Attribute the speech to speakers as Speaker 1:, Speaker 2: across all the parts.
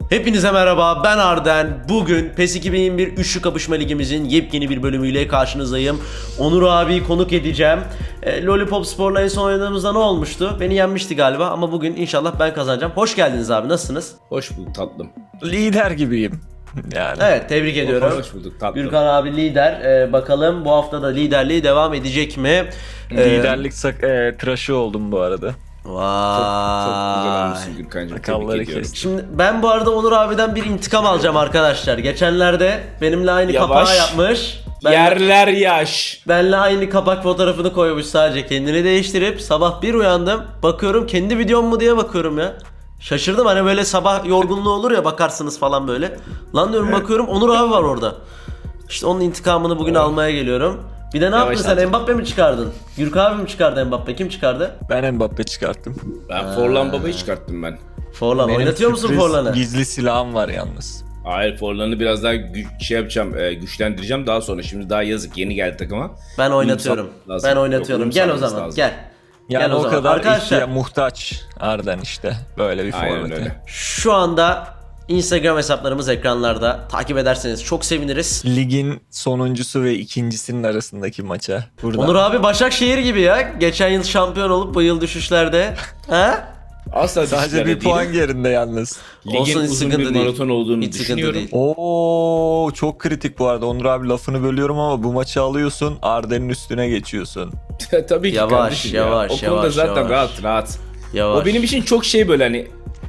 Speaker 1: Hepinize merhaba, ben Arden. Bugün PES 2021 Üçlü Kapışma Ligimizin yepyeni bir bölümüyle karşınızdayım. Onur abi konuk edeceğim. Lollipop Spor'la en son oynadığımızda ne olmuştu? Beni yenmişti galiba ama bugün inşallah ben kazanacağım. Hoş geldiniz abi, nasılsınız?
Speaker 2: Hoş bulduk tatlım.
Speaker 3: Lider gibiyim. Yani.
Speaker 1: Evet, tebrik ediyorum.
Speaker 2: Hoş bulduk tatlım.
Speaker 1: Gürkan abi lider. Bakalım bu hafta da liderliği devam edecek mi?
Speaker 3: Liderlik tıraşı oldum bu arada.
Speaker 1: Vay.
Speaker 2: Çok güzel olmuşsun Gürkan'cığım.
Speaker 3: Sakalları
Speaker 2: Tebrik ediyorum.
Speaker 3: kestim.
Speaker 1: Şimdi ben bu arada Onur abiden bir intikam alacağım arkadaşlar. Geçenlerde benimle aynı
Speaker 2: Yavaş.
Speaker 1: kapağı yapmış.
Speaker 2: Yerler yaş.
Speaker 1: Benle aynı kapak fotoğrafını koymuş, sadece kendini değiştirip sabah bir uyandım, bakıyorum kendi videom mu diye bakıyorum ya. Şaşırdım, hani böyle sabah yorgunluğu olur ya, bakarsınız falan böyle. Lan diyorum, bakıyorum Onur abi var orada. İşte onun intikamını bugün almaya geliyorum. Bir de ne
Speaker 2: Yavaş
Speaker 1: yaptın sen,
Speaker 2: artık.
Speaker 1: Mbappe mi çıkardın? Gürkan abi mi çıkardı Mbappe, kim çıkardı?
Speaker 3: Ben Mbappe çıkarttım.
Speaker 2: Ben Forlan Baba'yı çıkarttım ben.
Speaker 1: Forlan,
Speaker 3: Benim
Speaker 1: oynatıyor musun
Speaker 3: sürpriz
Speaker 1: Forlan'ı?
Speaker 3: Gizli silahım var yalnız.
Speaker 2: Hayır, Forlan'ı biraz daha yapacağım, güçlendireceğim daha sonra. Şimdi daha yazık, yeni geldi takıma.
Speaker 1: Ben oynatıyorum.
Speaker 2: Uyum lazım.
Speaker 1: Ben oynatıyorum.
Speaker 2: Yok,
Speaker 1: Gel o
Speaker 2: uyum
Speaker 1: zaman,
Speaker 2: lazım.
Speaker 1: gel.
Speaker 3: Yani
Speaker 1: Gel o
Speaker 3: o
Speaker 1: zaman.
Speaker 3: kadar
Speaker 1: Arkadaşlar,
Speaker 3: muhtaç Arden işte. Böyle bir
Speaker 2: Aynen
Speaker 3: forvete.
Speaker 2: öyle.
Speaker 1: şu anda Instagram hesaplarımız ekranlarda. Takip ederseniz çok seviniriz.
Speaker 3: Ligin sonuncusu ve ikincisinin arasındaki maça. Burada.
Speaker 1: Onur abi Başakşehir gibi ya. Geçen yıl şampiyon olup bu yıl düşüşlerde. Ha?
Speaker 2: Asla
Speaker 3: Sadece
Speaker 2: düşüşlerde
Speaker 3: bir puan
Speaker 2: değilim.
Speaker 3: geride yalnız.
Speaker 2: Ligin
Speaker 1: Olsun, hiç
Speaker 2: uzun
Speaker 1: sıkıntı
Speaker 2: bir
Speaker 1: değil.
Speaker 2: maraton olduğunu
Speaker 1: Hiç sıkıntı
Speaker 2: düşünüyorum.
Speaker 1: değil.
Speaker 3: Oo, çok kritik bu arada. Onur abi lafını bölüyorum ama bu maçı alıyorsun, Arden'in üstüne geçiyorsun.
Speaker 2: Tabii ki
Speaker 1: Yavaş,
Speaker 2: kardeşim ya.
Speaker 1: yavaş,
Speaker 2: O konuda
Speaker 1: yavaş,
Speaker 2: zaten
Speaker 1: yavaş.
Speaker 2: rahat.
Speaker 1: Yavaş.
Speaker 2: O benim için çok şey böyle hani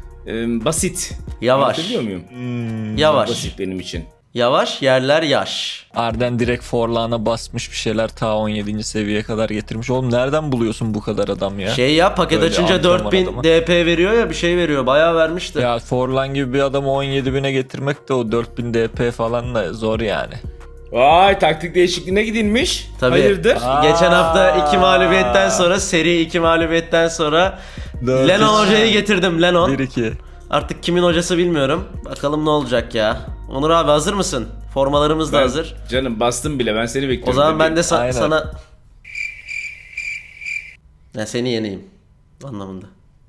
Speaker 2: basit.
Speaker 1: Yavaş.
Speaker 2: Anlatabiliyor muyum?
Speaker 1: Yavaş.
Speaker 2: Basit benim için.
Speaker 1: Yavaş, yerler yaş.
Speaker 3: Arden direkt Forlan'a basmış bir şeyler, ta 17. seviyeye kadar getirmiş. Oğlum nereden buluyorsun bu kadar adam ya?
Speaker 1: Şey ya, paket
Speaker 3: Böyle
Speaker 1: açınca
Speaker 3: antrenman
Speaker 1: 4000
Speaker 3: adamı.
Speaker 1: DP veriyor ya, bir şey veriyor. Bayağı vermişti.
Speaker 3: Ya Forlan gibi bir adamı 17.000'e getirmek de o 4000 DP falan da zor yani.
Speaker 2: Vay, taktik değişikliğine gidilmiş.
Speaker 1: Tabii.
Speaker 2: Hayırdır?
Speaker 1: Geçen hafta 2 mağlubiyetten sonra, seri 2 mağlubiyetten sonra
Speaker 3: Dört
Speaker 1: Lennon
Speaker 3: üç.
Speaker 1: hocayı getirdim, Lennon.
Speaker 3: 1-2.
Speaker 1: Artık kimin hocası bilmiyorum. Bakalım ne olacak ya. Onur abi hazır mısın? Formalarımız da
Speaker 2: Ben-
Speaker 1: hazır.
Speaker 2: Canım bastım bile, ben seni bekliyorum.
Speaker 1: O zaman ben de
Speaker 3: Aynen.
Speaker 1: sana... Ya seni yeneyim anlamında.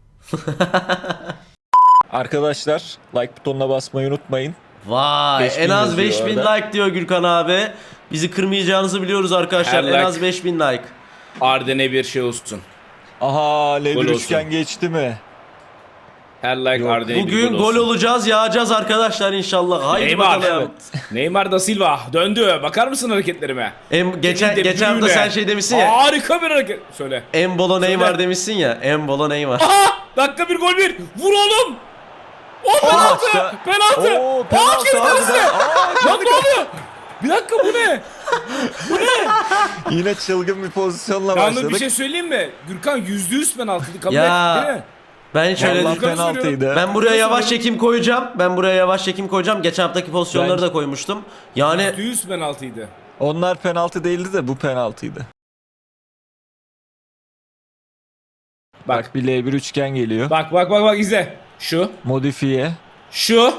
Speaker 3: Arkadaşlar like butonuna basmayı unutmayın.
Speaker 1: Vay,
Speaker 3: 5000
Speaker 1: en az
Speaker 3: yazıyor
Speaker 1: 5000
Speaker 3: orada.
Speaker 1: like diyor Gürkan abi. Bizi kırmayacağınızı biliyoruz arkadaşlar.
Speaker 2: Her
Speaker 1: En
Speaker 2: like-
Speaker 1: az 5000 like.
Speaker 2: Arden'e bir şey olsun.
Speaker 3: Aha,
Speaker 2: Gol
Speaker 3: L1
Speaker 2: olsun.
Speaker 3: üçgen geçti mi?
Speaker 2: Her like
Speaker 3: Yok.
Speaker 2: Arden'e bir
Speaker 1: Bugün
Speaker 2: gol
Speaker 1: gol
Speaker 2: olsun.
Speaker 1: olacağız, yağacağız arkadaşlar inşallah. Haydi
Speaker 2: Neymar.
Speaker 1: bakalım.
Speaker 2: Neymar da Silva döndü. Bakar mısın hareketlerime?
Speaker 1: Geçen
Speaker 2: De
Speaker 1: hafta
Speaker 2: Bruyne.
Speaker 1: sen şey demişsin ya.
Speaker 2: Harika bir hareket. Söyle.
Speaker 1: Embolo Neymar
Speaker 2: Söyle.
Speaker 1: demişsin ya. Embolo Neymar.
Speaker 2: Aha! Dakika bir gol bir. Vur oğlum. O penaltı.
Speaker 3: maçta-
Speaker 2: Penaltı.
Speaker 3: Oo, penaltı
Speaker 2: kendi
Speaker 3: harbiden.
Speaker 2: kalesine. Lan ne oluyor? Bir dakika, bu ne?
Speaker 3: Yine çılgın bir pozisyonla
Speaker 2: Yalnız
Speaker 3: başladık.
Speaker 2: bir şey söyleyeyim mi? Gürkan %100 penaltıydı. Kabul
Speaker 1: Ya.
Speaker 2: et değil mi?
Speaker 1: Ben şöyle
Speaker 3: Vallahi
Speaker 2: Gürkan'ı
Speaker 3: penaltıydı.
Speaker 1: ben buraya yavaş çekim koyacağım. Geçen haftaki pozisyonları
Speaker 3: Bence-
Speaker 1: da koymuştum. Yani
Speaker 2: %100 penaltıydı.
Speaker 3: Onlar penaltı değildi de bu penaltıydı. Bak bir L1 üçgen geliyor.
Speaker 2: Bak izle. Şu.
Speaker 3: Modifiye.
Speaker 2: Şu.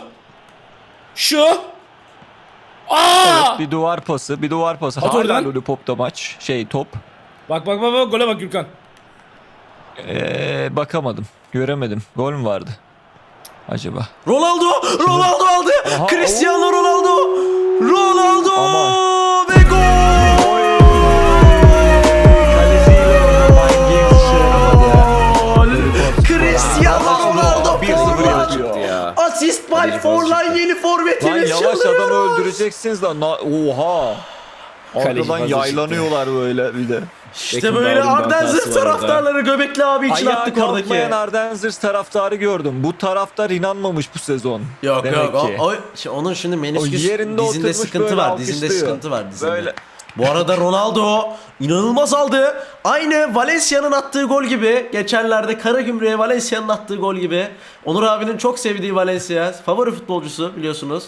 Speaker 2: Aa!
Speaker 3: Evet, bir duvar pası.
Speaker 2: At
Speaker 3: Hala
Speaker 2: oradan.
Speaker 3: Lollipop'ta maç. Top.
Speaker 2: Bak gole bak Gürkan.
Speaker 3: Bakamadım. Göremedim. Gol mü vardı? Acaba?
Speaker 1: Ronaldo aldı.
Speaker 3: Aha,
Speaker 1: Cristiano
Speaker 3: oo.
Speaker 1: Ronaldo
Speaker 3: Aman.
Speaker 1: ve gol.
Speaker 3: Kaleciyle oynaman
Speaker 1: Cristiano Ronaldo
Speaker 3: 1-0
Speaker 1: Forlan.
Speaker 3: yapıyor.
Speaker 2: Ya.
Speaker 1: Asist by Forlan, yeni
Speaker 3: Lan
Speaker 1: forvetimiz
Speaker 3: yavaş
Speaker 1: çalıyor.
Speaker 3: adamı öldüreceksiniz lan. Oha.
Speaker 2: Kaleci
Speaker 3: Arkadan
Speaker 2: fazla
Speaker 3: yaylanıyorlar böyle bir de.
Speaker 1: İşte
Speaker 2: Beckham
Speaker 1: böyle
Speaker 2: Darwin'in
Speaker 1: Arden
Speaker 2: hatası
Speaker 1: Zırh
Speaker 2: var orada.
Speaker 1: taraftarları Göbekli abi için
Speaker 3: Ayağa
Speaker 1: attık oradaki.
Speaker 3: kalkmayan Arden Zırh taraftarı gördüm. Bu taraftar inanmamış bu sezon.
Speaker 1: Yok
Speaker 3: Demek
Speaker 1: yok
Speaker 3: ki.
Speaker 1: onun şimdi
Speaker 3: O
Speaker 1: menisküs
Speaker 3: yerinde
Speaker 1: dizinde
Speaker 3: oturmuş
Speaker 1: sıkıntı
Speaker 3: böyle
Speaker 1: var. Dizinde
Speaker 3: alkışlıyor.
Speaker 1: sıkıntı var dizinde.
Speaker 3: Böyle.
Speaker 1: Bu arada Ronaldo inanılmaz aldı. Aynı Valencia'nın attığı gol gibi. Geçenlerde Karagümrük'e Valencia'nın attığı gol gibi. Onur abinin çok sevdiği Valencia. Favori futbolcusu biliyorsunuz.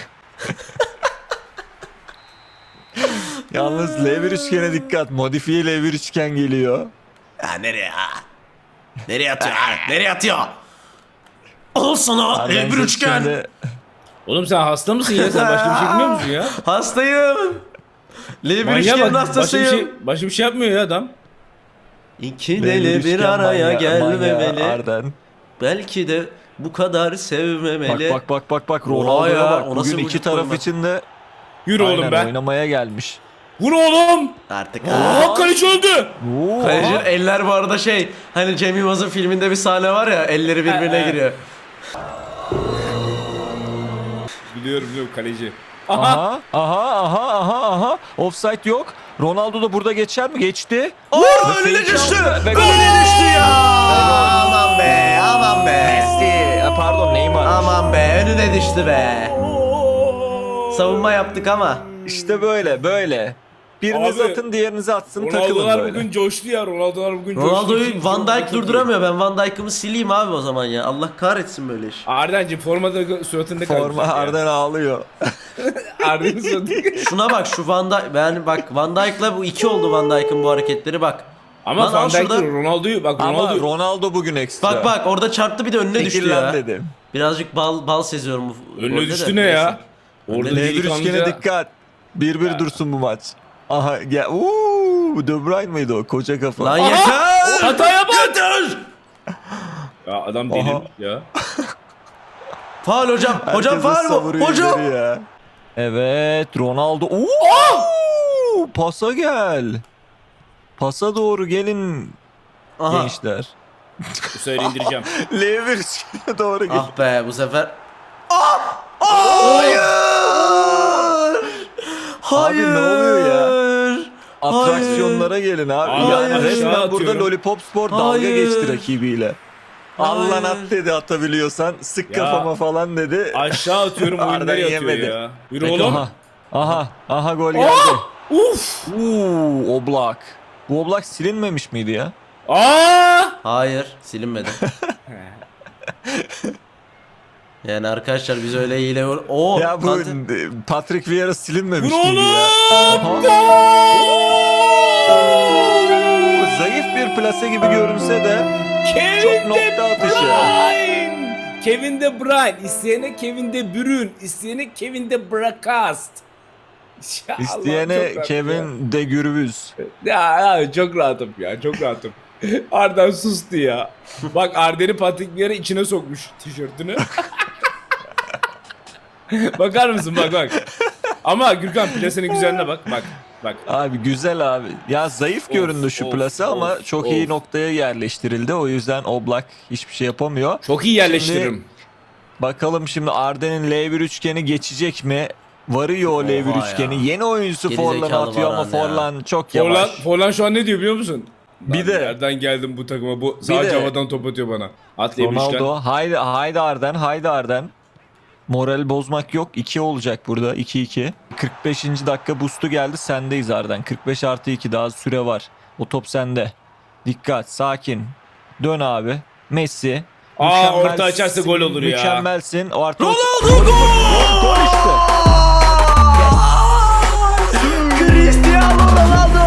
Speaker 3: Yalnız L1 üçgene dikkat. Modifiye L1 üçgen geliyor.
Speaker 1: Ya nereye ha? Nereye atıyor? Nereye atıyor? Al sana
Speaker 3: Arden
Speaker 1: bir
Speaker 3: Zırh
Speaker 1: üçgen.
Speaker 3: şimdi-
Speaker 2: Oğlum sen hasta mısın ya? Sen başka bir şey bilmiyor musun ya?
Speaker 1: Hastayım. L1
Speaker 2: Manyağa
Speaker 1: üçgenin
Speaker 2: bak.
Speaker 1: hastasıyım.
Speaker 2: Başka bir şey yapmıyor ya adam.
Speaker 1: İki
Speaker 3: L1
Speaker 1: deli bir
Speaker 3: üçgen
Speaker 1: araya
Speaker 3: manyağı
Speaker 1: gelmemeli.
Speaker 3: Arden.
Speaker 1: Belki de bu kadar sevmemeli.
Speaker 3: Bak
Speaker 1: Oha
Speaker 3: Ronaldo'ya
Speaker 1: ya,
Speaker 3: bak.
Speaker 1: o nasıl
Speaker 3: Bugün
Speaker 1: vücut
Speaker 3: iki taraf
Speaker 1: formu?
Speaker 3: için de
Speaker 2: Yürü oğlum
Speaker 3: aynen
Speaker 2: be.
Speaker 3: oynamaya gelmiş.
Speaker 2: Vur oğlum.
Speaker 1: Artık
Speaker 2: Aa, kaleci öldü.
Speaker 3: Oo,
Speaker 1: Kalecinin
Speaker 3: aha.
Speaker 1: eller bu arada hani Cem Yılmaz'ın filminde bir sahne var ya, elleri birbirine giriyor.
Speaker 2: Biliyorum kaleci.
Speaker 3: Aha. Offside yok. Ronaldo da burada geçer mi? Geçti.
Speaker 1: Önüne düştü.
Speaker 3: Ve
Speaker 1: Önüne düştü ya. Aman be, aman be.
Speaker 3: Messi. Pardon Neymar.
Speaker 1: Aman be, önüne düştü be. Savunma yaptık ama.
Speaker 3: İşte böyle. Biriniz
Speaker 2: Abi,
Speaker 3: atın, diğerinizi atsın, takılın
Speaker 2: Ronaldo'lar
Speaker 3: böyle.
Speaker 2: bugün coştu ya. Ronaldo'lar bugün coştu.
Speaker 1: Ronaldo'yu Van Dijk
Speaker 2: Çok iyi.
Speaker 1: durduramıyor. Ben Van Dijk'ımı sileyim abi o zaman ya. Allah kahretsin böyle iş.
Speaker 2: Arden'cim formada suratında kalmış.
Speaker 3: Forma Arden ağlıyor.
Speaker 2: Arden'in suratında.
Speaker 1: Şuna bak, şu Van Dijk. Ben bak, Van Dijk'la bu 2 oldu, Van Dijk'ın bu hareketleri bak.
Speaker 2: Ama
Speaker 1: Lan
Speaker 2: Van
Speaker 1: al şurada.
Speaker 2: Dijk'tir Ronaldo'yu bak
Speaker 3: Ama
Speaker 2: Ronaldo.
Speaker 3: Ronaldo bugün ekstra.
Speaker 1: Bak orada çarptı, bir de önüne düştü
Speaker 3: Çekil lan
Speaker 1: ya.
Speaker 3: dedim.
Speaker 1: Birazcık bal seziyorum bu golde
Speaker 2: Önüne
Speaker 1: de.
Speaker 2: düştü ne ya? Orada
Speaker 3: L1
Speaker 2: delikanlıca-
Speaker 3: üçgene dikkat. 1-1 dursun bu maç. Aha ya De Bruyne mıydı o koca kafa?
Speaker 1: Lan
Speaker 2: Aha!
Speaker 1: yeter!
Speaker 2: Hataya bak!
Speaker 1: Yeter!
Speaker 2: Ya adam
Speaker 3: Aha.
Speaker 2: deli ya.
Speaker 1: Faul hocam. Hocam
Speaker 3: Herkes
Speaker 1: faul mu?
Speaker 3: savuruyor
Speaker 1: Hocam.
Speaker 3: ileri ya. Evet Ronaldo. Oo! Pasa gel. Pasa doğru gelin
Speaker 1: Aha.
Speaker 3: gençler.
Speaker 2: Bu sefer indireceğim.
Speaker 3: L1 üçgene doğru gel.
Speaker 1: Ah be, bu sefer. Hayır! Hayır!
Speaker 3: Abi ne oluyor ya? Atraksiyonlara gelin abi.
Speaker 2: Abi,
Speaker 3: Ya
Speaker 1: hayır.
Speaker 3: resmen
Speaker 2: Aşağı
Speaker 3: burada
Speaker 2: atıyorum.
Speaker 3: Lollipop Spor dalga
Speaker 1: Hayır.
Speaker 3: geçti rakibiyle. Allah
Speaker 1: Hayır.
Speaker 3: at dedi atabiliyorsan. Sık
Speaker 2: Ya.
Speaker 3: kafama falan dedi.
Speaker 2: Aşağı atıyorum
Speaker 3: Arden
Speaker 2: oyunları atıyor
Speaker 3: yemedi.
Speaker 2: ya. Yürü oğlum.
Speaker 3: Aha gol geldi.
Speaker 2: Uf!
Speaker 3: Oblak. Bu Oblak silinmemiş miydi ya?
Speaker 2: Aa!
Speaker 1: Hayır, silinmedi. Yani arkadaşlar biz öyle hile... Oo,
Speaker 3: Ya bu
Speaker 1: Kante-
Speaker 3: Patrick Vieira silinmemiş
Speaker 2: Vur
Speaker 3: miydi
Speaker 2: oğlum!
Speaker 3: ya? Zayıf bir plase gibi görünse de çok
Speaker 2: Kevin De
Speaker 3: nokta atışı.
Speaker 2: Bruyne! Kevin De Bruyne. İsteyene Kevin De Bruyne. İsteyene Kevin De Brakast. Ya Allah,
Speaker 3: isteyene
Speaker 2: çok rahatım
Speaker 3: Kevin de Gürbüz.
Speaker 2: ya çok rahatım ya. Çok rahatım. Arden sustu ya. Bak Arden'i Patrick Vieira içine sokmuş tişörtünü. Bakar mısın bak. Ama Gürkan plasenin güzelliğine bak.
Speaker 3: Abi güzel abi. Ya zayıf
Speaker 2: Of,
Speaker 3: göründü şu
Speaker 2: of,
Speaker 3: plase ama
Speaker 2: of,
Speaker 3: çok iyi
Speaker 2: of.
Speaker 3: noktaya yerleştirildi. O yüzden Oblak hiçbir şey yapamıyor.
Speaker 2: Çok iyi yerleştiririm.
Speaker 3: Bakalım şimdi Arden'in L1 üçgeni geçecek mi? Varıyor o L1
Speaker 1: Oha
Speaker 3: üçgeni.
Speaker 1: ya.
Speaker 3: Yeni oyuncusu
Speaker 1: Geri
Speaker 3: Forlan
Speaker 1: zekalı
Speaker 3: atıyor ama
Speaker 1: Varane ya.
Speaker 3: Forlan çok yavaş.
Speaker 2: Forlan şu an ne diyor biliyor musun?
Speaker 3: Bir
Speaker 2: Lan
Speaker 3: de-
Speaker 2: nereden geldim bu takıma? Bu sadece
Speaker 3: de-
Speaker 2: havadan top atıyor bana. Atlayamışken.
Speaker 3: Ronaldo haydi Arden. Moral bozmak yok. 2 olacak burada. 2-2. 45. dakika boost'u geldi. Sendeyiz Arden. 45+2 daha süre var. O top sende. Dikkat. Sakin. Dön abi. Messi.
Speaker 2: Orta açarsa gol olur ya.
Speaker 3: Mükemmelsin. O artı
Speaker 1: Ronaldo gol!
Speaker 3: Gol işte.
Speaker 1: Cristiano Ronaldo!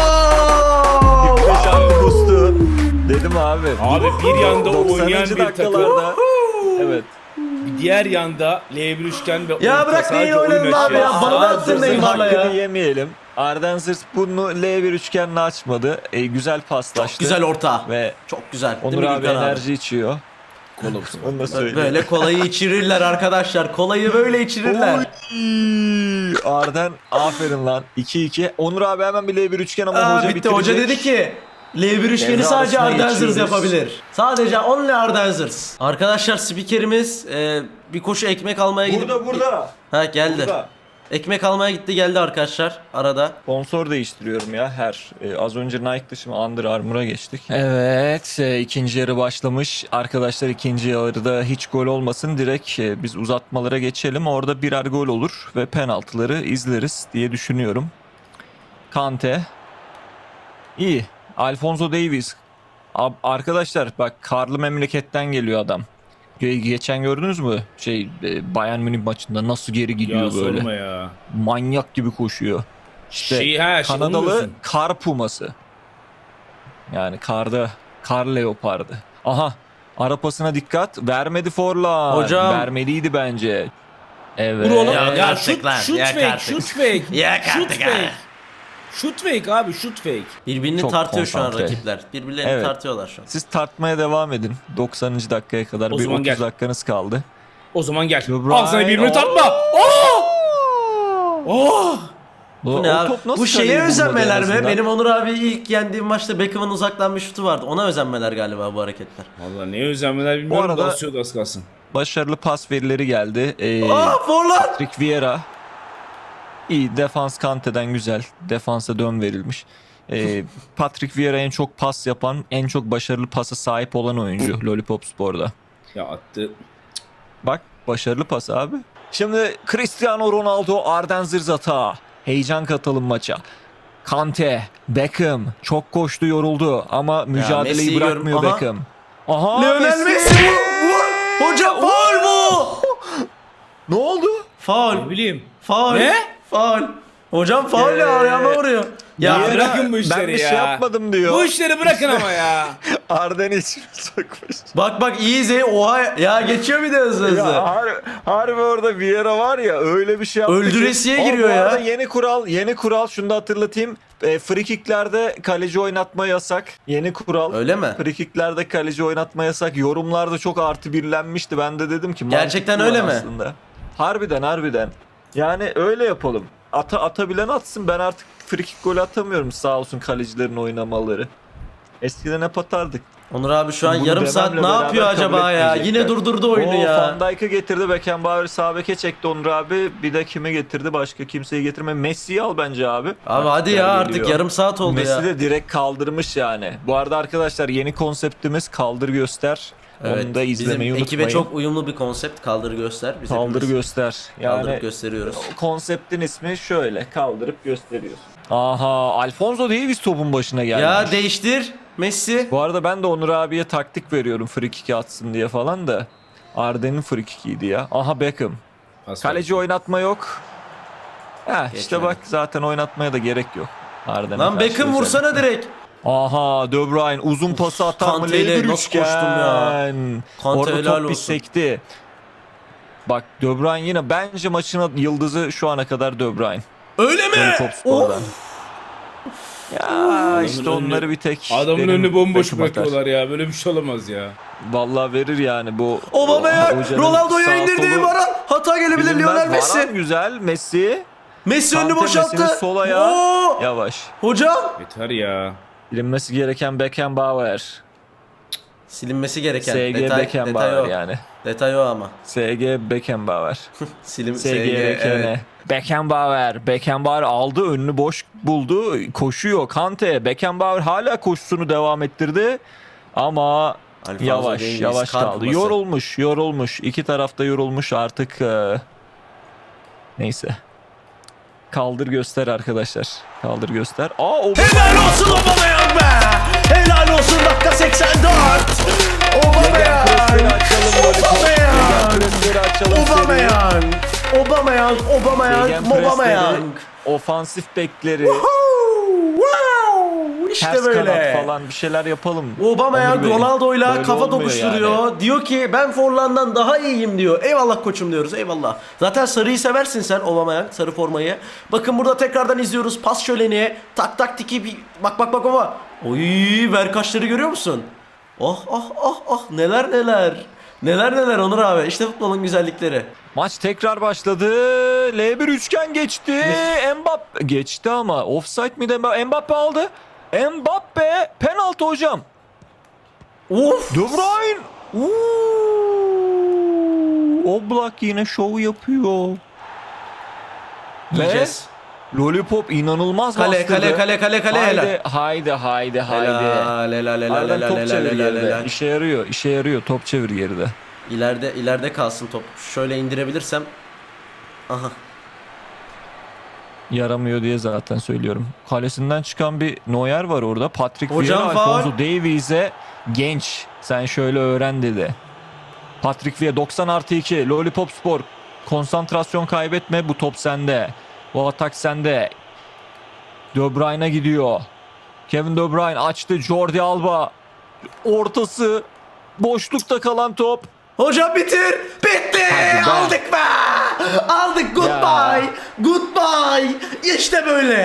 Speaker 3: 45 artı boost'u. Dedim abi.
Speaker 2: Abi bir yanda
Speaker 3: 90.
Speaker 2: oynayan bir takım.
Speaker 3: dakikalarda. Evet.
Speaker 2: Diğer yanda L1 üçgen ve
Speaker 1: Ya
Speaker 2: orta
Speaker 1: bırak
Speaker 2: sadece
Speaker 1: neyi oynadın
Speaker 2: oyun
Speaker 1: abi ya?
Speaker 2: açıyor.
Speaker 1: Bana da
Speaker 3: Arden
Speaker 1: attın
Speaker 3: Zırz'ın
Speaker 1: Neymar'la ya.
Speaker 3: hakkını yemeyelim. Arden Zırz bunu L1 üçgenle açmadı. Güzel paslaştı.
Speaker 1: Güzel orta.
Speaker 3: Ve
Speaker 1: Çok güzel. Değil
Speaker 3: Onur
Speaker 1: mi
Speaker 3: abi
Speaker 1: Gürkan abi?
Speaker 3: enerji içiyor.
Speaker 2: Kolumsun.
Speaker 3: Onu da söyleyeyim.
Speaker 1: Böyle kolayı içirirler arkadaşlar. Kolayı böyle içirirler.
Speaker 3: Oy! Arden aferin lan. 2-2. Onur abi hemen bir L1 üçgen ama hoca
Speaker 1: Bitti.
Speaker 3: bitirecek.
Speaker 1: Hoca dedi ki L1 üçgeni
Speaker 3: Devre
Speaker 1: sadece
Speaker 3: arasına
Speaker 1: Arden Zırz
Speaker 3: geçiyoruz.
Speaker 1: yapabilir. Sadece only Arden Zırz. Arkadaşlar spikerimiz bir koşu ekmek almaya gidip...
Speaker 3: Burada.
Speaker 1: Ha geldi.
Speaker 3: Burada.
Speaker 1: Ekmek almaya gitti geldi arkadaşlar arada.
Speaker 3: Sponsor değiştiriyorum ya her. Az önce Nike'dı şimdi Under Armour'a geçtik. Evet ikinci yarı başlamış. Arkadaşlar ikinci yarıda hiç gol olmasın. Direkt biz uzatmalara geçelim. Orada birer gol olur ve penaltıları izleriz diye düşünüyorum. Kante. İyi. Alphonso Davies. Arkadaşlar bak karlı memleketten geliyor adam. Geçen gördünüz mü? Bayern Münih maçında nasıl geri gidiyor
Speaker 2: Ya
Speaker 3: böyle.
Speaker 2: sorma ya.
Speaker 3: Manyak gibi koşuyor. İşte
Speaker 2: onu
Speaker 3: Kanadalı
Speaker 2: diyorsun.
Speaker 3: kar puması. Yani kar leopardı. Aha arapasına dikkat. Vermedi Forlan.
Speaker 1: Hocam.
Speaker 3: Vermeliydi bence. Evet.
Speaker 2: Vur oğlum.
Speaker 1: Ya
Speaker 2: Ya
Speaker 1: artık
Speaker 2: şut
Speaker 1: lan,
Speaker 2: şut
Speaker 1: yak
Speaker 2: fake
Speaker 1: artık.
Speaker 2: şut fake.
Speaker 1: Yak
Speaker 2: Şut
Speaker 1: artık
Speaker 2: fake.
Speaker 1: ha.
Speaker 2: Shoot fake abi, shoot fake.
Speaker 1: Birbirini
Speaker 3: Çok
Speaker 1: tartıyor şu an
Speaker 3: konsantre.
Speaker 1: rakipler. Birbirlerini
Speaker 3: Evet.
Speaker 1: tartıyorlar şu an.
Speaker 3: Siz tartmaya devam edin. 90. dakikaya kadar
Speaker 2: O
Speaker 3: bir
Speaker 2: zaman
Speaker 3: 30
Speaker 2: gel.
Speaker 3: dakikanız kaldı.
Speaker 2: O zaman gel.
Speaker 3: De Bruyne.
Speaker 2: Al sana birbirini tartma. Oh! Oh!
Speaker 1: Bu ne abi? Bu şeye
Speaker 3: kaleyi bulmadı
Speaker 1: özenmeler
Speaker 3: en
Speaker 1: mi?
Speaker 3: azından?
Speaker 1: Benim Onur abi ilk yendiğim maçta Beckham'ın uzaktan bir şutu vardı. Ona özenmeler galiba bu hareketler.
Speaker 2: Vallahi ne özenmeler bilmiyorum.
Speaker 3: arada-
Speaker 2: Basıyordu az kalsın.
Speaker 3: Başarılı pas verileri geldi.
Speaker 1: Forlan!
Speaker 3: Patrick Vieira. İyi, defans Kante'den güzel. Defansa dön verilmiş. Patrick Vieira en çok pas yapan, en çok başarılı pasa sahip olan oyuncu Lollipop Spor'da.
Speaker 2: Ya attı.
Speaker 3: Bak, başarılı pas abi. Şimdi Cristiano Ronaldo, Arden Zırzata. Heyecan katalım maça. Kante, Beckham çok koştu, yoruldu ama mücadeleyi
Speaker 1: Messi'yi
Speaker 3: bırakmıyor
Speaker 1: görüm- Aha.
Speaker 3: Beckham. Aha,
Speaker 1: Lionel Messi vur! Hocam faul bu!
Speaker 3: Ne oldu?
Speaker 1: Faul.
Speaker 2: Ne bileyim.
Speaker 1: Faul.
Speaker 2: Ne?
Speaker 1: Faul. Hocam faul ya ayağıma vuruyor. Ya
Speaker 2: Niye?
Speaker 1: bırak.
Speaker 2: Bırakın bu işleri
Speaker 3: ben bir
Speaker 2: ya.
Speaker 3: şey yapmadım diyor.
Speaker 2: Bu işleri bırakın ama ya.
Speaker 3: Arden'i içine sokmuş.
Speaker 1: Bak iyi izle. Oha ya geçiyor bir de hızlı hızlı.
Speaker 3: Ya harbi orada Vieira var ya, öyle bir şey yaptı ki.
Speaker 1: Öldüresiye
Speaker 3: Ama
Speaker 1: giriyor
Speaker 3: bu arada
Speaker 1: ya.
Speaker 3: yeni kural şunu da hatırlatayım. Free kicklerde kaleci oynatma yasak. Yeni kural.
Speaker 1: Öyle mi?
Speaker 3: Free kicklerde kaleci oynatma yasak. Yorumlarda çok artı birlenmişti. Ben de dedim ki
Speaker 1: Gerçekten
Speaker 3: mantıklı
Speaker 1: öyle mi?
Speaker 3: aslında. Harbiden. Yani öyle yapalım. Atabilen atsın. Ben artık free kick golü atamıyorum, sağ olsun kalecilerin oynamaları. Eskiden hep atardık.
Speaker 1: Onur abi şu an
Speaker 3: Bunu
Speaker 1: yarım saat
Speaker 3: dememle
Speaker 1: ne yapıyor
Speaker 3: beraber kabul
Speaker 1: acaba ya?
Speaker 3: etmeyecekler.
Speaker 1: Yine durdurdu oyunu ya.
Speaker 3: Van Dijk'ı getirdi. Beckenbauer sağ beke çekti Onur abi. Bir de kimi getirdi? Başka kimseyi getirme. Messi'yi al bence abi.
Speaker 1: Abi hadi ya
Speaker 3: Geliyor.
Speaker 1: artık yarım saat oldu
Speaker 3: Messi
Speaker 1: ya.
Speaker 3: de direkt kaldırmış yani. Bu arada arkadaşlar, yeni konseptimiz kaldır göster. Onu da izlemeyi
Speaker 1: bizim
Speaker 3: unutmayın.
Speaker 1: ekibe çok uyumlu bir konsept. Kaldır göster. Biz
Speaker 3: kaldır
Speaker 1: hepimiz
Speaker 3: göster. Yani
Speaker 1: kaldırıp gösteriyoruz.
Speaker 3: konseptin ismi şöyle. Kaldırıp gösteriyorsun. Aha, Alfonso Davies topun başına gelmiş.
Speaker 1: Ya değiştir Messi.
Speaker 3: Bu arada ben de Onur abiye taktik veriyorum free kick atsın diye falan da. Arden'in free kick'iydi ya. Aha, Beckham.
Speaker 2: Pas
Speaker 3: Kaleci oynatma yok. Ha işte
Speaker 1: Geçmedi.
Speaker 3: bak, zaten oynatmaya da gerek yok. Arden'e
Speaker 1: Lan
Speaker 3: karşı
Speaker 1: Beckham vursana
Speaker 3: özellikle.
Speaker 1: direkt.
Speaker 3: Aha, De Bruyne uzun pası atar mı?
Speaker 1: Kante'yle
Speaker 3: Lever
Speaker 1: nasıl
Speaker 3: üçgen.
Speaker 1: koştum ya? Kante
Speaker 3: Orada
Speaker 1: helal
Speaker 3: top bir
Speaker 1: olsun.
Speaker 3: sekti. Bak, De Bruyne yine bence maçın yıldızı şu ana kadar De Bruyne.
Speaker 1: Öyle mi?
Speaker 3: Top spordan.
Speaker 1: Of.
Speaker 3: Ya işte onları bir tek
Speaker 2: Adamın
Speaker 3: benim
Speaker 2: önünü bomboş
Speaker 3: takım atar.
Speaker 2: bırakıyorlar ya. Böyle bir şey olamaz ya.
Speaker 3: Vallahi verir yani bu.
Speaker 1: Aubameyang
Speaker 3: hocanın
Speaker 1: Ronaldo'ya
Speaker 3: sağ
Speaker 1: indirdi.
Speaker 3: solu
Speaker 1: Varan hata gelebilir
Speaker 3: bilinmez.
Speaker 1: Lionel Messi.
Speaker 3: Varane güzel, Messi.
Speaker 1: Messi önünü
Speaker 3: Kante
Speaker 1: boşalttı.
Speaker 3: Messi'nin sol ayağı.
Speaker 1: Oo!
Speaker 3: Yavaş.
Speaker 1: Hocam.
Speaker 2: Yeter ya.
Speaker 3: Bilinmesi gereken Beckenbauer.
Speaker 1: Silinmesi gereken.
Speaker 3: SG
Speaker 1: detay
Speaker 3: Beckenbauer
Speaker 1: o.
Speaker 3: yani.
Speaker 1: Detay o ama.
Speaker 3: SG Beckenbauer.
Speaker 1: SG
Speaker 3: SG Beckenbauer. Beckenbauer aldı, önünü boş buldu, koşuyor. Kante, Beckenbauer hala koşusunu devam ettirdi. Ama
Speaker 1: Alfonso
Speaker 3: yavaş
Speaker 1: Davies, kar
Speaker 3: kaldı.
Speaker 1: kuması.
Speaker 3: Yorulmuş. İki tarafta yorulmuş artık. Neyse. Kaldır göster arkadaşlar. Kaldır göster.
Speaker 1: Helal olsun Aubameyang be! Helal olsun dakika 84! Aubameyang!
Speaker 3: Presleri açalım
Speaker 1: Aubameyang!
Speaker 3: Presleri açalım seri.
Speaker 1: Aubameyang! Aubameyang!
Speaker 3: Gegenpressleri,
Speaker 1: Aubameyang!
Speaker 3: ofansif bekleri,
Speaker 1: Wow! İşte
Speaker 3: ters
Speaker 1: böyle.
Speaker 3: kanat falan bir şeyler yapalım.
Speaker 1: Aubameyang
Speaker 3: Onur Bey,
Speaker 1: Ronaldo'yla
Speaker 3: böyle
Speaker 1: kafa
Speaker 3: olmuyor
Speaker 1: tokuşturuyor.
Speaker 3: yani.
Speaker 1: Diyor ki ben Forlan'dan daha iyiyim diyor. Eyvallah koçum diyoruz. Eyvallah. Zaten sarıyı seversin sen Aubameyang, sarı formayı. Bakın burada tekrardan izliyoruz. Pas şöleni. Tak tak tiki bir bak baba. Oy ver kaşları görüyor musun? Oh neler neler. Neler Onur abi. İşte futbolun güzellikleri.
Speaker 3: Maç tekrar başladı. L1 üçgen geçti. Mbappe geçti ama offside miydi? Mbappe aldı. Mbappe penaltı hocam.
Speaker 1: Of.
Speaker 3: De Bruyne. Oblak yine şov yapıyor. Ve
Speaker 1: Yiyeceğiz.
Speaker 3: Lollipop inanılmaz bastırdı.
Speaker 1: Kale helal.
Speaker 3: Haydi.
Speaker 1: Helal.
Speaker 3: Arden top çevir geride. İşe yarıyor. Top çevir geride.
Speaker 1: İleride kalsın top. Şöyle indirebilirsem. Aha.
Speaker 3: Yaramıyor diye zaten söylüyorum. Kalesinden çıkan bir Neuer var orada. Patrick
Speaker 1: Hocam
Speaker 3: Vieira
Speaker 1: faul.
Speaker 3: Alfonso Davies'e genç. Sen şöyle öğren dedi. Patrick Vieira 90+2 Lollipop Spor. Konsantrasyon kaybetme, bu top sende. Bu atak sende. De Bruyne'a gidiyor. Kevin De Bruyne açtı. Jordi Alba. Ortası. Boşlukta kalan top.
Speaker 1: Hocam bitir. Bitti.
Speaker 3: Hadi be.
Speaker 1: Aldık be. Aldık. Goodbye. Goodbye. İşte böyle.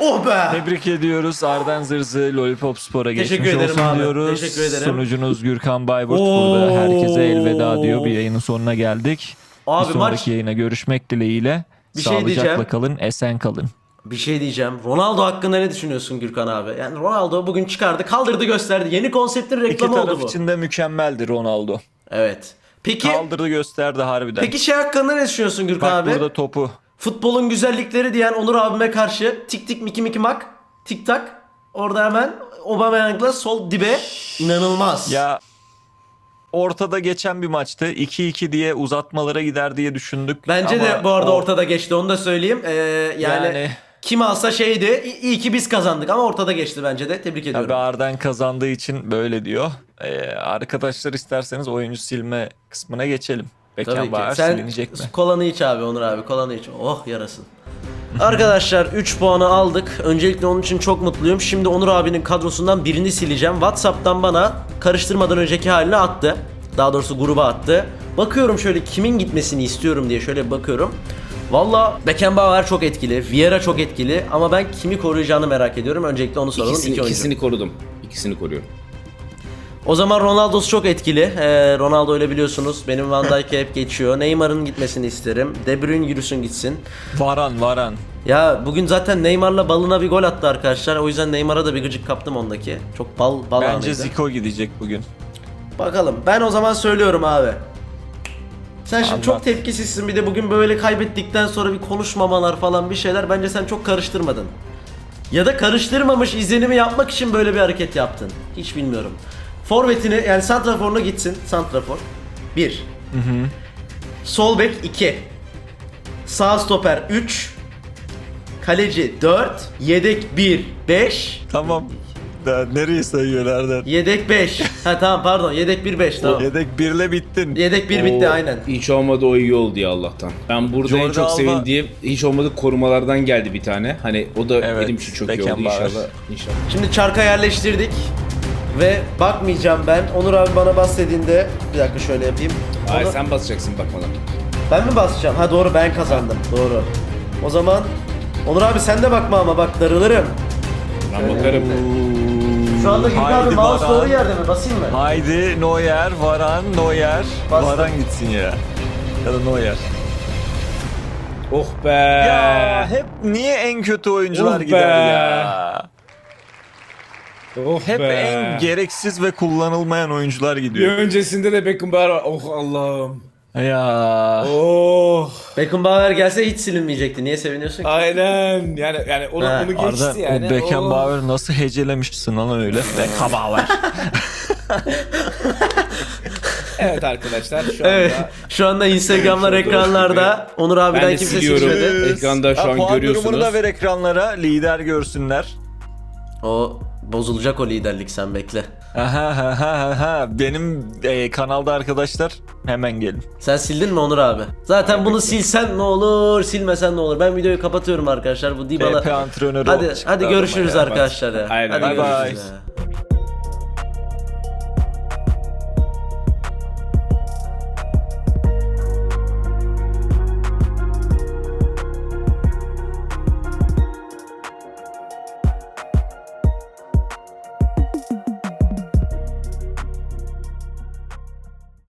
Speaker 1: Oh be!
Speaker 3: Tebrik ediyoruz. Arden Zırzı Lollipop Spor'a geçmiş
Speaker 1: Teşekkür ederim
Speaker 3: olsun
Speaker 1: abi.
Speaker 3: diyoruz.
Speaker 1: Teşekkür ederim.
Speaker 3: Sunucunuz Gürkan Bayburt
Speaker 1: Oo.
Speaker 3: burada herkese elveda diyor. Bir yayının sonuna geldik.
Speaker 1: Abi
Speaker 3: bir sonraki
Speaker 1: maç-
Speaker 3: yayına görüşmek dileğiyle.
Speaker 1: Bir şey
Speaker 3: Sağlıcakla
Speaker 1: diyeceğim.
Speaker 3: kalın, esen kalın.
Speaker 1: Bir şey diyeceğim. Ronaldo hakkında ne düşünüyorsun Gürkan abi? Yani Ronaldo bugün çıkardı, kaldırdı, gösterdi. Yeni konseptin
Speaker 3: İki
Speaker 1: reklamı oldu
Speaker 3: taraf
Speaker 1: bu.
Speaker 3: için de mükemmeldi Ronaldo.
Speaker 1: Evet. Peki
Speaker 3: Kaldırdı gösterdi harbiden.
Speaker 1: peki şey hakkında ne düşünüyorsun Gürkan
Speaker 3: Bak
Speaker 1: abi?
Speaker 3: burada topu.
Speaker 1: Futbolun güzellikleri diyen Onur abime karşı tik tik miki miki mak tik tak. Orada hemen Aubameyang'la sol dibe inanılmaz.
Speaker 3: Ya ortada geçen bir maçtı. 2-2 diye uzatmalara gider diye düşündük.
Speaker 1: Bence
Speaker 3: Ama
Speaker 1: de bu arada
Speaker 3: o-
Speaker 1: ortada geçti, onu da söyleyeyim. Yani kim alsa şeydi, iyi ki biz kazandık ama ortada geçti bence de. Tebrik ediyorum.
Speaker 3: Tabii Arden kazandığı için böyle diyor. Arkadaşlar isterseniz oyuncu silme kısmına geçelim.
Speaker 1: Tabii
Speaker 3: Beckenbauer
Speaker 1: ki. Sen
Speaker 3: silinecek mi?
Speaker 1: kolanı iç abi Onur abi, kolanı iç. Oh yarasın. Arkadaşlar 3 puanı aldık. Öncelikle onun için çok mutluyum. Şimdi Onur abinin kadrosundan birini sileceğim. WhatsApp'tan bana karıştırmadan önceki halini attı. Daha doğrusu gruba attı. Bakıyorum şöyle kimin gitmesini istiyorum diye şöyle bir bakıyorum. Valla Beckenbauer çok etkili, Vieira çok etkili ama ben kimi koruyacağını merak ediyorum. Öncelikle onu soralım. İki oyuncu.
Speaker 2: İkisini korudum. İkisini koruyorum.
Speaker 1: O zaman Ronaldo'su çok etkili. Ronaldo öyle biliyorsunuz. Benim Van Dijk'e hep geçiyor. Neymar'ın gitmesini isterim. De Bruyne yürüsün gitsin.
Speaker 3: Varan.
Speaker 1: Ya bugün zaten Neymar'la balına bir gol attı arkadaşlar. O yüzden Neymar'a da bir gıcık kaptım ondaki. Çok bal
Speaker 3: Bence
Speaker 1: anıydı.
Speaker 3: Zico gidecek bugün.
Speaker 1: Bakalım. Ben o zaman söylüyorum abi. Sen şimdi
Speaker 3: Anlat.
Speaker 1: çok tepkisizsin, bir de bugün böyle kaybettikten sonra bir konuşmamalar falan bir şeyler. Bence sen çok karıştırmadın. Ya da karıştırmamış izlenimi yapmak için böyle bir hareket yaptın. Hiç bilmiyorum. Forvetini yani santraforuna gitsin. Santrafor 1. Sol bek 2. Sağ stoper 3. Kaleci 4. Yedek 1 5.
Speaker 3: Tamam. Da nereye sayıyor Arden?
Speaker 1: Yedek 5. Ha tamam pardon, yedek 1 5 tamam.
Speaker 3: Yedek 1'le bittin.
Speaker 1: Yedek 1 bitti aynen.
Speaker 2: Hiç olmadı o iyi oldu ya Allah'tan. Ben burada en
Speaker 3: Jordi
Speaker 2: çok
Speaker 3: Alba-
Speaker 2: sevindiğim hiç olmadı korumalardan geldi bir tane. Hani o da
Speaker 3: Evet,
Speaker 2: benim için çok iyi oldu
Speaker 3: Beckenbauer.
Speaker 2: inşallah.
Speaker 1: Şimdi çarka yerleştirdik. Ve bakmayacağım ben. Onur abi bana bas dediğinde bir dakika şöyle yapayım.
Speaker 2: Hayır
Speaker 1: Onu-
Speaker 2: sen basacaksın bakmadan.
Speaker 1: Ben mi basacağım? Ha doğru, ben kazandım. Doğru. O zaman Onur abi sen de bakma ama bak darılırım.
Speaker 2: Ben bakarım.
Speaker 1: Şu anda Gülkan abi
Speaker 3: Haydi
Speaker 1: mouse
Speaker 3: Baran.
Speaker 1: doğru yerde mi? Basayım mı?
Speaker 3: Haydi Neuer, Varan, Neuer.
Speaker 1: Bastım.
Speaker 3: Varan gitsin ya. Ya da Neuer.
Speaker 2: Oh be.
Speaker 3: Ya hep niye en kötü oyuncular
Speaker 2: Oh be.
Speaker 3: gider ya?
Speaker 2: Oh
Speaker 3: Hep
Speaker 2: be.
Speaker 3: en gereksiz ve kullanılmayan oyuncular
Speaker 2: Bir
Speaker 3: gidiyor.
Speaker 2: öncesinde de Beckenbauer var. Oh Allah'ım.
Speaker 3: Ya.
Speaker 2: Oh.
Speaker 1: Beckenbauer gelse hiç silinmeyecekti. Niye seviniyorsun ki?
Speaker 2: Aynen. Yani onu,
Speaker 1: Ha,
Speaker 2: onu geçti
Speaker 3: Arda
Speaker 2: yani.
Speaker 3: o Beckenbauer nasıl hecelemişsin lan öyle? Beckenbauer.
Speaker 2: Evet arkadaşlar şu anda
Speaker 1: Evet. Şu anda Instagram'lar ekranlarda. Onur
Speaker 2: ben
Speaker 1: abiden
Speaker 2: de
Speaker 1: kimse
Speaker 2: siliyorum.
Speaker 1: silmedi.
Speaker 2: Ekranda şu
Speaker 3: Ha,
Speaker 2: an
Speaker 3: puan
Speaker 2: görüyorsunuz.
Speaker 3: durumunu da ver ekranlara. Lider görsünler.
Speaker 1: O bozulacak o liderlik, sen bekle.
Speaker 3: Aha. Benim kanalda arkadaşlar hemen gelin.
Speaker 1: Sen sildin mi Onur abi? Zaten bunu silsen ne olur, silmesen ne olur. Ben videoyu kapatıyorum arkadaşlar. Bu Dybala.
Speaker 3: TP antrenörü
Speaker 1: Hadi
Speaker 3: çıktı
Speaker 1: görüşürüz
Speaker 3: adama ya.
Speaker 1: arkadaşlar ya.
Speaker 2: Aynen.
Speaker 1: Hadi
Speaker 2: Bye
Speaker 1: görüşürüz
Speaker 3: bye.
Speaker 1: ya.